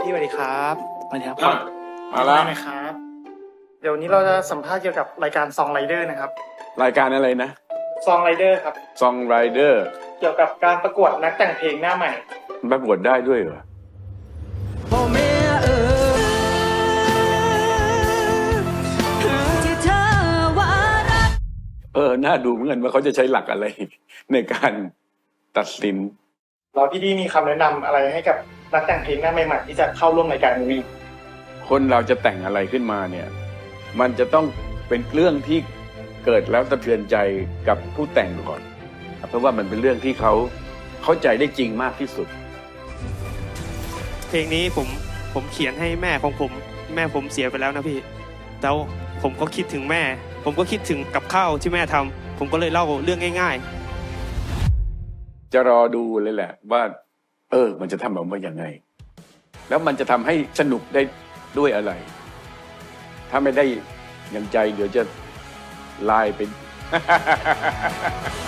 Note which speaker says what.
Speaker 1: พี่สวัสดีครับสวัสดีครับ
Speaker 2: มาแล้ว
Speaker 1: หน่อยครับเดี๋ยวนี้เราจะสัมภาษณ์เกี่ยวกับรายการซองไรเดอร์นะครับ
Speaker 2: รายการอะไรนะ
Speaker 1: ซองไรเดอร์ครับ
Speaker 2: Song Rider
Speaker 1: เกี่ยวกับการประกวดนักแต่งเพลงหน้าใหม่
Speaker 2: ประกวดได้ด้วยเหรอน่าดูเหมือนกันว่าเขาจะใช้หลักอะไร ในการตัดสิน
Speaker 1: เราพี่ดีมีคำแนะนำอะไรให้กับนักแต่งเพลงหน้าใหม่ๆที่จะเข้าร่วมรายการนี้
Speaker 2: คนเราจะแต่งอะไรขึ้นมาเนี่ย มันจะต้องเป็นเรื่องที่เกิดแล้วสะเทือนใจกับผู้แต่งก่อน เพราะว่ามันเป็นเรื่องที่เขาเข้าใจได้จริงมากที่สุด
Speaker 3: เพลงนี้ผมเขียนให้แม่ของผมเสียไปแล้วนะพี่แล้วผมก็คิดถึงแม่ ผมก็คิดถึงกับข้าวที่แม่ทำผมก็เลยเล่าเรื่องง่ายๆ
Speaker 2: จะรอดูเลยแหละว่า มันจะทำออกมาอย่างไง แล้วมันจะทำให้สนุกได้ด้วยอะไร ถ้าไม่ได้อย่างใจเดี๋ยวจะลายเป็น